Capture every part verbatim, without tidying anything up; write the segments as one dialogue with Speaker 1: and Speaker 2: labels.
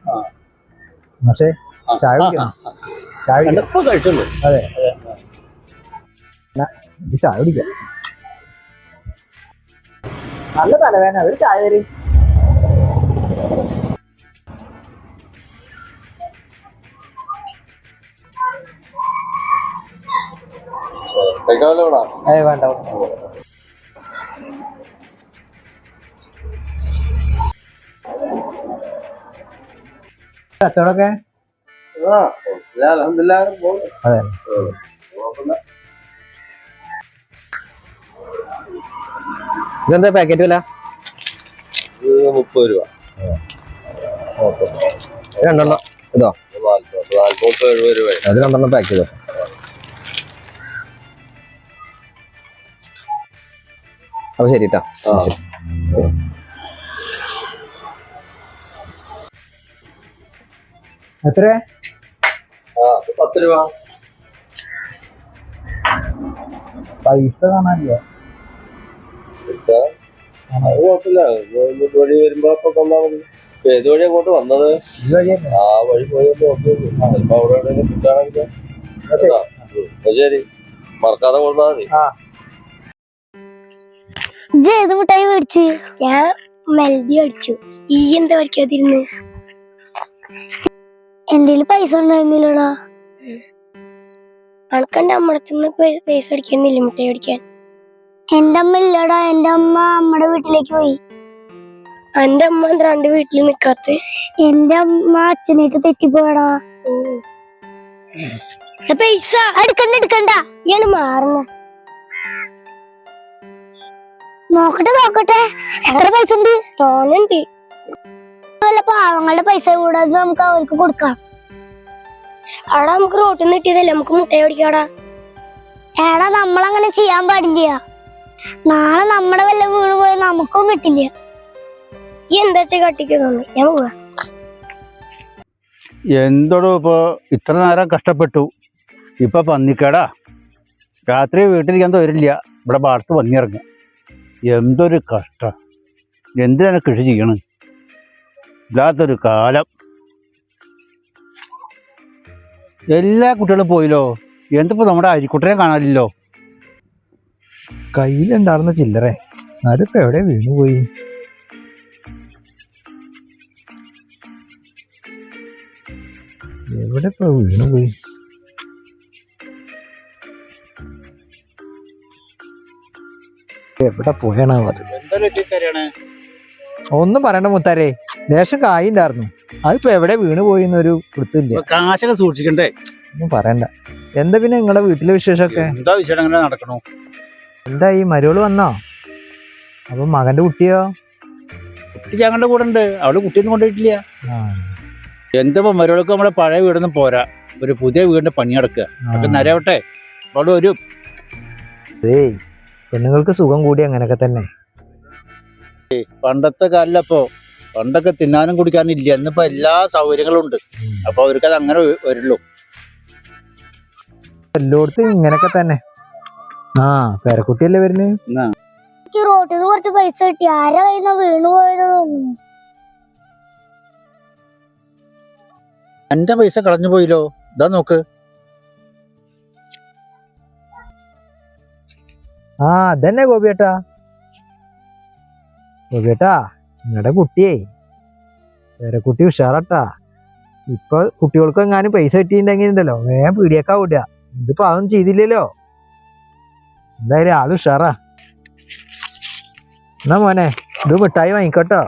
Speaker 1: പക്ഷേ ചായ കുടിക്കണം. ചായ
Speaker 2: കഴിച്ചുള്ളൂ.
Speaker 1: അതെ ചായ കുടിക്കാം. നല്ല തലവേദന. ഒരു ചായ തരും. ഏ വേണ്ട. കച്ചവടമൊക്കെ അതെ. ഇതെന്താ പാക്കറ്റ് വില?
Speaker 2: മുപ്പത് രൂപ.
Speaker 1: രണ്ടെണ്ണം ഇതോ?
Speaker 2: എഴുപത് രൂപ.
Speaker 1: അത് രണ്ടെണ്ണം പാക്ക് ചെയ്തോ. അപ്പൊ ശരി കേട്ടോ. എത്ര?
Speaker 2: പത്ത് രൂപ.
Speaker 1: പൈസ കാണാനില്ല.
Speaker 2: അത് കുഴപ്പമില്ല. വഴി വരുമ്പോ അപ്പൊ തന്നാ മതി. ഏത് വഴി അങ്ങോട്ട് വന്നത്? ആ വഴി പോയപ്പോ ചിലപ്പോ അവിടെ എവിടെയെങ്കിലും കിട്ടുകയാണെങ്കിൽ ശരി, മറക്കാതെ കൊടുത്താ മതി.
Speaker 3: ഏത് മിഠായി മേടിച്ച്? ഞാൻ മെൽഡി മേടിച്ചു. ഈ എന്താ മേടിക്കാതിരുന്ന്? എന്റെ പൈസ ഉണ്ടായിരുന്നില്ലടാ. അനക്കെന്റെ അമ്മടത്തുനിന്ന് പൈസ അടിക്കുന്നില്ല മിഠായി മേടിക്കാൻ. എന്റെ അമ്മ ഇല്ലടാ. എന്റെ അമ്മ അമ്മയുടെ വീട്ടിലേക്ക് പോയി. എന്റെ അമ്മ എന്താ രണ്ട് വീട്ടിൽ നിക്കാത്ത? എന്റെ അമ്മ അച്ഛനായിട്ട് തെറ്റിപ്പോയടാ. പൈസ എടുക്കണ്ട എടുക്കണ്ട. ഇയാണ് മാറുന്ന. നോക്കട്ടെ നോക്കട്ടെ എത്ര പൈസ ഉണ്ട്? തോന്നുന്നുണ്ട്. വല്ല പാവങ്ങളുടെ പൈസ കൂടാതെ നമുക്ക് അവർക്ക് കൊടുക്കാം. അവിടെ നമുക്ക് റോട്ടിൽ നിന്ന് കിട്ടിയതല്ലേ, നമുക്ക് മുട്ടയെ ഓടിക്കാടാ. ഏടാ നമ്മളങ്ങനെ ചെയ്യാൻ പാടില്ല. നാളെ നമ്മുടെ വല്ല വീണ് പോയി നമുക്കും കിട്ടില്ല. ഈ എന്താ കട്ടിക്ക് തോന്നി. ഞാൻ പോവാ.
Speaker 4: എന്തോടോ ഇപ്പൊ ഇത്ര നേരം കഷ്ടപ്പെട്ടു. ഇപ്പൊ പന്നിക്കേടാ. രാത്രി വീട്ടിലേക്ക് വരില്ല. ഇവിടെ പാടത്ത് പന്നിയിറങ്ങും. എന്തൊരു കഷ്ടം. എന്തിനാണ് കൃഷി ചെയ്യണം? ഇല്ലാത്തൊരു കാലം. എല്ലാ കുട്ടികളും പോയില്ലോ. എന്തിപ്പോ നമ്മുടെ അരിക്കുട്ടനെ കാണാനില്ലോ.
Speaker 1: കയ്യിലുണ്ടായിരുന്ന ചില്ലറേ അതിപ്പോ എവിടെ വീണുപോയി? എവിടെ ഇപ്പൊ വീണുപോയി? എവിടെ പോയാണോ അത്? ഒന്നും പറയണ്ട മുത്താരേ. ലേശം കായ് ഉണ്ടായിരുന്നു. അതിപ്പോ എവിടെ വീണ് പോയി എന്നൊരു വൃത്തിയില്ല.
Speaker 4: കാശൊക്കെ സൂക്ഷിക്കണ്ടേ?
Speaker 1: ഒന്നും പറയണ്ട. എന്താ പിന്നെ നിങ്ങളുടെ വീട്ടിലെ വിശേഷമൊക്കെ?
Speaker 4: എന്താ വിശേഷം? അങ്ങനെ നടക്കണോ?
Speaker 1: എന്താ ഈ മരോള് വന്നോ? അപ്പൊ മകന്റെ കുട്ടിയോ?
Speaker 4: കുട്ടി ഞങ്ങളുടെ കൂടെ ഉണ്ട്. അവള് കുട്ടിയൊന്നും കൊണ്ടുപോയിട്ടില്ല. എന്തപ്പോ മരോളൊക്കെ നമ്മുടെ പഴയ വീടൊന്നും പോരാ. ഒരു പുതിയ വീടിന്റെ പണി നടക്കുക. അതൊക്കെ നരവട്ടെ. അവിടെ ഒരു
Speaker 1: ഏയ് പെണ്ണുങ്ങൾക്ക് സുഖം കൂടി അങ്ങനൊക്കെ തന്നെ.
Speaker 4: പണ്ടത്തെ കാലിലപ്പോ പണ്ടൊക്കെ തിന്നാനും കുടിക്കാനും ഇല്ല. ഇന്നിപ്പോ എല്ലാ സൗകര്യങ്ങളും ഉണ്ട്. അപ്പൊ അവർക്ക് അത് അങ്ങനെ വരുള്ളൂ.
Speaker 1: എല്ലായിടത്തും ഇങ്ങനൊക്കെ തന്നെ. ആ പേരക്കുട്ടിയല്ലേ വരുന്നത്.
Speaker 3: റോട്ടിൽ നിന്ന് കുറച്ച് പൈസ കിട്ടി. ആരാ കയ്യിൽ നിന്ന് വീണു പോയത് തോന്നുന്നു.
Speaker 4: എന്റെ പൈസ കളഞ്ഞു പോയില്ലോ. ഇതാ നോക്ക്.
Speaker 1: ആ അതന്നെ ഗോപിയേട്ടാ. ഗോപിയേട്ടാ നിങ്ങളുടെ കുട്ടിയേ പേരക്കുട്ടി ഉഷാറാട്ടാ. ഇപ്പൊ കുട്ടികൾക്ക് എങ്ങാനും പൈസ കിട്ടിയിട്ടുണ്ടെങ്കിൽ ഉണ്ടല്ലോ വേഗം പീടിയേക്കാ വിടുക. ഇതിപ്പോ അതൊന്നും ചെയ്തില്ലല്ലോ. എന്തായാലും ആള് ഉഷാറാ. എന്നാ മോനെ ഇത് മിഠായി വാങ്ങിക്കോട്ടോ.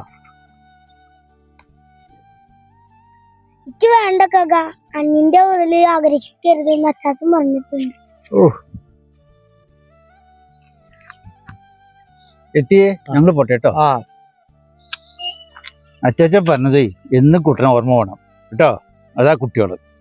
Speaker 3: എനിക്ക് വേണ്ട കക. അണ്ണിന്റെ മുതല് ആഗ്രഹിക്കരുത് അച്ചാച്ചൻ പറഞ്ഞിട്ടുണ്ട്.
Speaker 1: ഓ
Speaker 4: എത്തിയേ ഞങ്ങള് പോട്ടെട്ടോ.
Speaker 1: ആ
Speaker 4: അച്ചാച്ചൻ പറഞ്ഞതേ എന്നും കുട്ടനെ ഓർമ്മ വേണം കേട്ടോ. അതാ കുട്ടികള്.